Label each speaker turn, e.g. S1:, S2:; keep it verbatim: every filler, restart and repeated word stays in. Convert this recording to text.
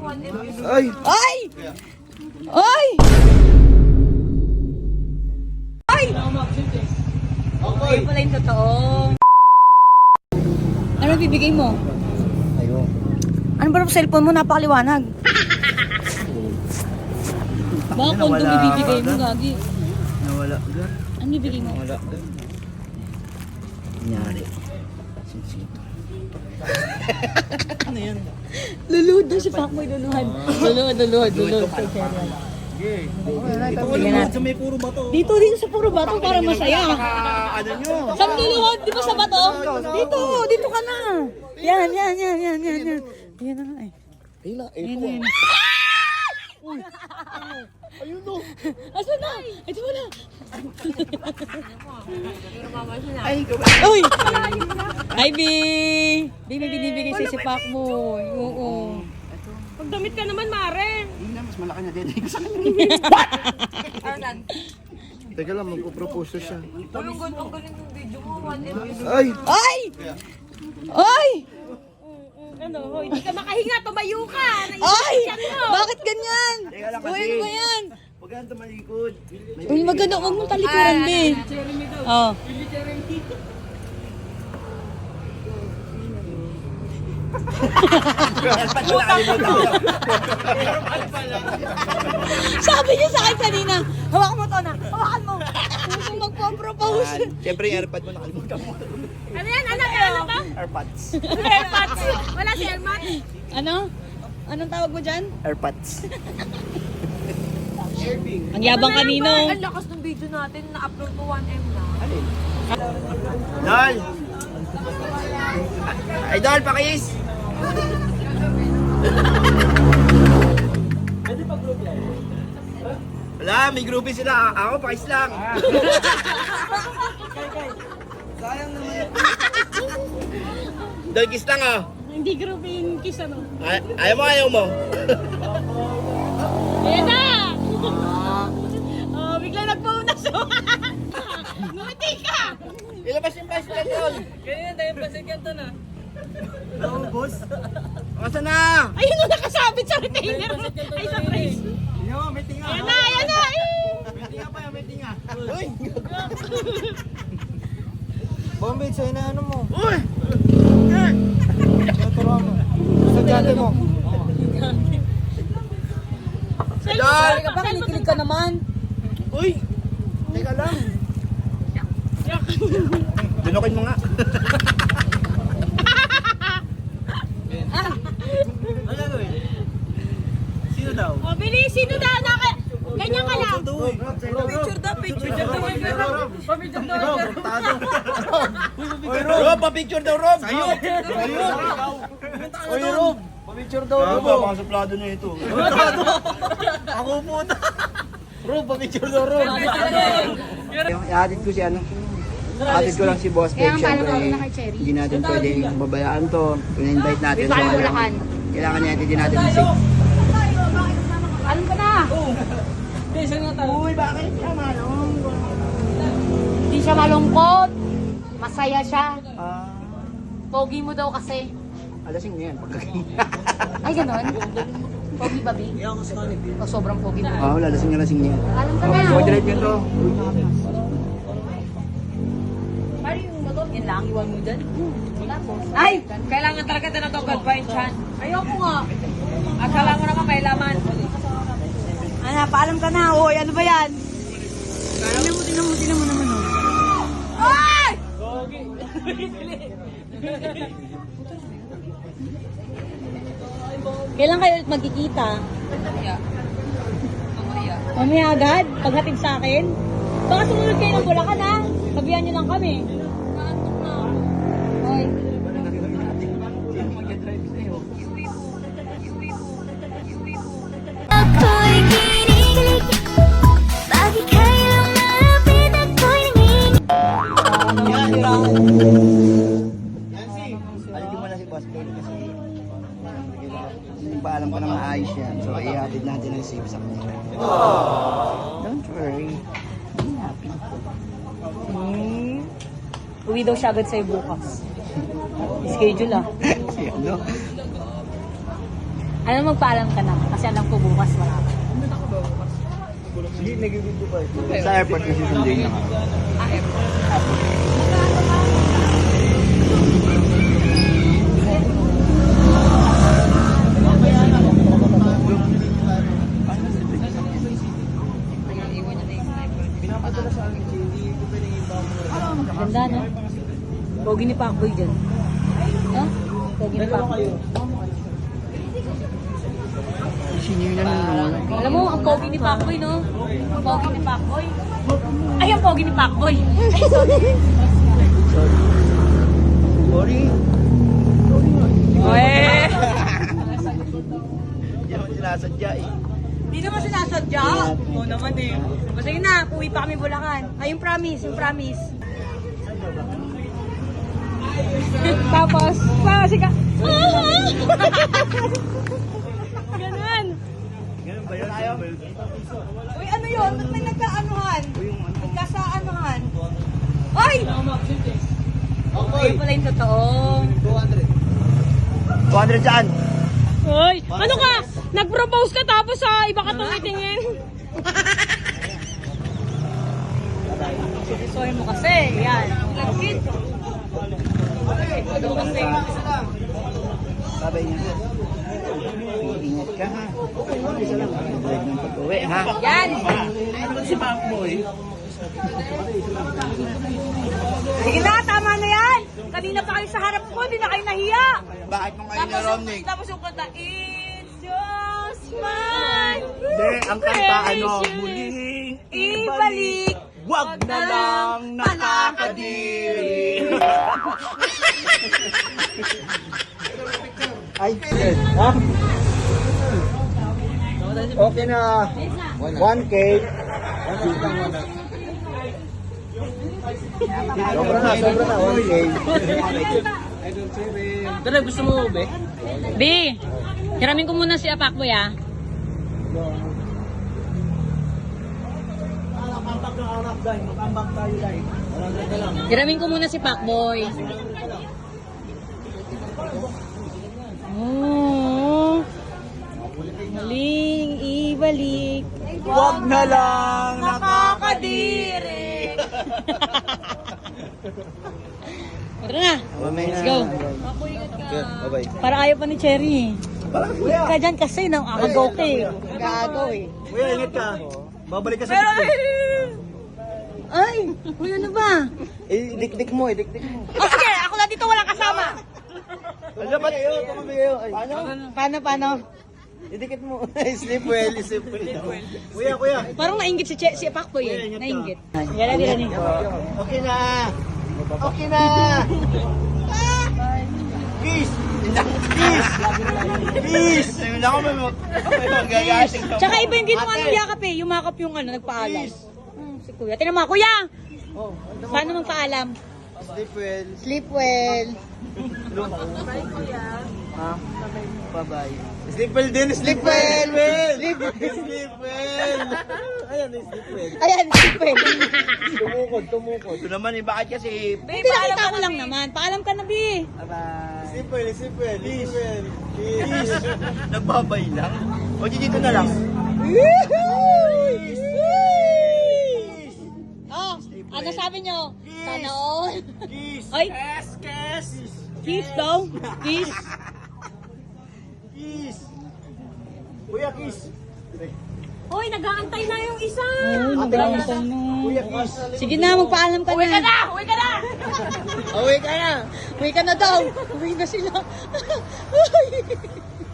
S1: Ay!
S2: Ay! Ay! Ay! Okay pala yung totoo. Ano bibigay mo?
S1: Ayun.
S2: Ano ba yung cellphone mo? Napakaliwanag. Baka kondom
S1: Nawala
S2: ibibigay
S1: ka
S2: mo,
S1: agad.
S2: Gagi.
S1: Nawala ka.
S2: Ano bibigay mo?
S1: Nawala ka. Nangyari. Sinsito. Ano yan?
S2: Luluhod daw si Pakboy, luluhod. Luluhod, luluhod, luluhod.
S1: Ito ko lang sa may puro bato.
S2: Dito, dito sa puro bato para masaya.
S1: Ano nyo?
S2: Saan luluhod? Di ba sa bato? Dito, dito ka na. Yan, yan, yan, yan, yan, yan. Yan na nga eh.
S1: Ayun na,
S2: Yan
S1: ito
S2: na yan.
S1: Ayun no.
S2: Asan na? Ito mo na.
S1: Ay,
S2: Uy! Hi, B! B, may binibigay sa'yo si Pakboy. Oo.
S3: Pagdamit ka naman, Mare.
S1: Hindi na, mas malaki na din. Sa kanya.
S3: Arnan,
S1: Teka lang, magpo-propose na siya.
S3: anong ganun galing yung video mo? One M.
S1: Ay!
S2: Ay! Ay!
S3: Ano, hoy, hindi ka makahinga, tumayo ka.
S2: Ay!
S3: Naisip mo.
S2: Bakit ganyan?
S1: Teka lang
S2: Uy,
S1: kasi.
S2: ano ba yan?
S1: Huwag ka tumalikod.
S2: Uy, maganda. Huwag mong talikuran, B. Oh. Sabi niya sa akin kanina, hawakan mo to na. Hawakan mo. Gusto magpo-propose.
S1: Siyempre yung airpad mo nakalimutan mo.
S3: Ano yan, anak? Ano ba?
S1: Airpods.
S3: Airpods. Wala si Airmat.
S2: Ano? Anong tawag mo dyan?
S1: Airpods.
S2: Ang yabang kanino.
S3: Ang lakas ng video natin, na-upload mo one M na.
S1: Dol! Idol, pakis! Wala, may groupie sila. Ako, pakis lang. Sayang naman. Dol, kiss lang oh.
S3: Hindi group yung kiss ano.
S1: Ay ayaw mo, ayaw mo.
S3: Ayan na! Oh, bigla nagpauna siya. Ngumiti ka!
S1: Ilabas yung pastel, Dol.
S3: Ganyan, dahil pasigyan to na.
S1: Oo, boss. Asa na?
S3: Ayun na nakasabit sa retainer. Ay, sa trace.
S1: Yo, may tinga.
S3: Ayan na, ayan na!
S1: May tinga pa yan, may tinga. Uy! Bombay, sa'yo na ano mo? Uy! Turuan mo. Sa dati mo. Idol!
S2: Ka ba? Kinikilig ka naman.
S1: Uy! Teka lang. Dunukin mo nga. Ano gagawin? Sino daw?
S3: O, bilis, sino daw na ka? Ganyan ka lang.
S1: Picture daw, picture daw. Picture daw. Rob, pa-picture daw, Rob. Sa'yo. Sa'yo. Uy, Rob. Pa-picture daw, Rob. Baka suplado na ito. Ako puta. Rob, pa-picture daw, Rob. I-added ko si ano. I-added ko lang si Boss Peg. Siyempre, hindi natin pwedeng babayaan to. Kung na-invite natin. So, kailangan natin din natin ng safe.
S3: Alam ka na.
S1: Uy, bakit siya malong?
S3: Hindi siya malungkot. Masaya siya.
S1: Ah,
S3: Pogi mo daw kasi.
S1: alasing na yan. Pagkaking.
S3: Ay, ganon? Pogi ba, Bi? O sobrang pogi mo?
S1: Oo, lalasing na lasing niya.
S3: Alam ka
S1: Okay,
S3: na.
S1: so drive yun to.
S3: Paano yung motor? Yan lang, iwan mo dyan. Ay! Kailangan talaga na ito, God find chan. Ayoko nga. At kailangan mo naman may laman.
S2: Ano, paalam ka na. Uy, ano ba yan? Tingnan mo, tingnan mo, tingnan mo naman. Oh.
S3: Ay!
S2: Kailan kayo ulit magkikita? Mamaya agad? Paghatid sa akin? Baka sumunod kayo ng Bulacan ha? Sabihan nyo lang kami. Hoy.
S4: ako'y kinikilig Bakit kailang malapit ako'y nanginginig
S1: Alitin mo na si Boss Peg kasi hindi pa alam ko na maayos yan. So, i-added natin ang safe sa kanya. Don't worry. Be happy.
S2: Hmm. Uwi daw siya agad sa'yo bukas. Schedule ah.
S1: Si ano?
S3: Alam, magpaalam ka na. Kasi alam ko bukas wala ka.
S1: Hindi, nagiging pa ito. Sa airport kasi sundin na kami.
S3: Ganda, no? Pogi ni Pacboy dyan. Ha? Pogi ni Pacboy.
S1: Senior na naman.
S3: Alam mo, ang pogi ni Pacboy, no? Ang pogi ni Pacboy. Ay, ang pogi ni Pacboy. Ay, sorry.
S1: Sorry.
S3: Uwe!
S1: Hindi naman sinasadya eh.
S2: Hindi naman sinasadya. Oo naman eh. O sige na, uwi pa kami Bulacan. Ay, yung promise, yung promise.
S3: Tapos, pa, sige. Ganun.
S1: Ganun ba yun? Ayaw.
S2: Uy, ano yun? Ba't may nagkaanuhan? Nagkasaanuhan? Ay! Okay.
S3: Pala yung totoo.
S1: two hundred saan?
S3: Hoy, ano ka? Nag-propose ka tapos sa iba ka tumitingin. Sorry mo kasi, yan. Lagkit. Ano kasi?
S1: Sabay niya. Ingat ka ha. Isa lang. Break ng pag-uwi ha.
S3: Yan.
S1: Si Pacboy.
S2: Sige na, tama na yan. Kanina pa kayo sa harap ko, di na kayo nahiya.
S1: Bakit mo kayo
S2: Tapos yung,
S1: naromnig?
S2: tapos yung kanta, It's just mine.
S1: Hindi, ang kanta ano, muling
S2: Ibalik.
S1: Wag na lang nakakadiri. Ay, ha? Okay na. one K. Sobra na, sobra na. one K.
S3: Dala, gusto mo ube? B, hiramin ko muna si Pacboy ah. Hiramin ko muna si Pacboy. Oh, maling ibalik.
S1: Wag na lang nakakadiri.
S3: Tara na. Let's go.
S1: Bye-bye.
S3: Para ayaw pa ni Cherry. Ka dyan kasi nang akagaw ka eh.
S2: Gaagaw eh.
S1: Kuya, ingat ka. Babalik ka sa
S2: Pero,
S1: TikTok.
S2: ay, uy, ano ba?
S1: Eh, dik-dik mo, eh, dik-dik mo.
S2: O sige, ako na dito, walang kasama.
S1: Ano ba kayo? Tumabi kayo. Ay, Paano?
S2: Paano, paano?
S1: Idikit mo. Sleep well, sleep well. Kuya, kuya.
S3: Parang nainggit si, che si Pacboy eh. Nainggit. Yan na din.
S1: Okay na. Okay na. Peace. Peace. Peace. Ayun ako may magagasing.
S3: Tsaka iba yung ginawa ng yakap eh. Yumakap yung ano, nagpaalam. Hmm, si Kuya. Tingnan mo, Kuya!
S1: Oh,
S3: Paano magpaalam?
S1: sleep well.
S2: Sleep well.
S1: Ha? Bye-bye. Sleep well din. Sleep well. Sleep well. Sleep well. Ayan, sleep well.
S2: Ayan, sleep well.
S1: Tumukod, tumukod. Ito naman eh, bakit kasi...
S3: Hindi, nakita ko lang naman. Paalam ka na, Bi.
S1: Bye-bye. Sleep well, sleep well. Sleep well. Peace. Nagbabay lang. O, dito na lang. Peace.
S3: Oh, ano sabi nyo? Sana all.
S1: Kiss.
S3: Ay,
S1: Kiss. Kiss.
S3: kiss daw. Kiss.
S1: Kiss. Kuya, kiss.
S3: Hoy, nag-aantay na yung isa.
S1: nag-aantay Kuya, kiss.
S3: Sige na, magpaalam ka na. Uwi ka na! Uwi ka na!
S1: Away ka na.
S3: Uwi ka na daw. Uwi na sila.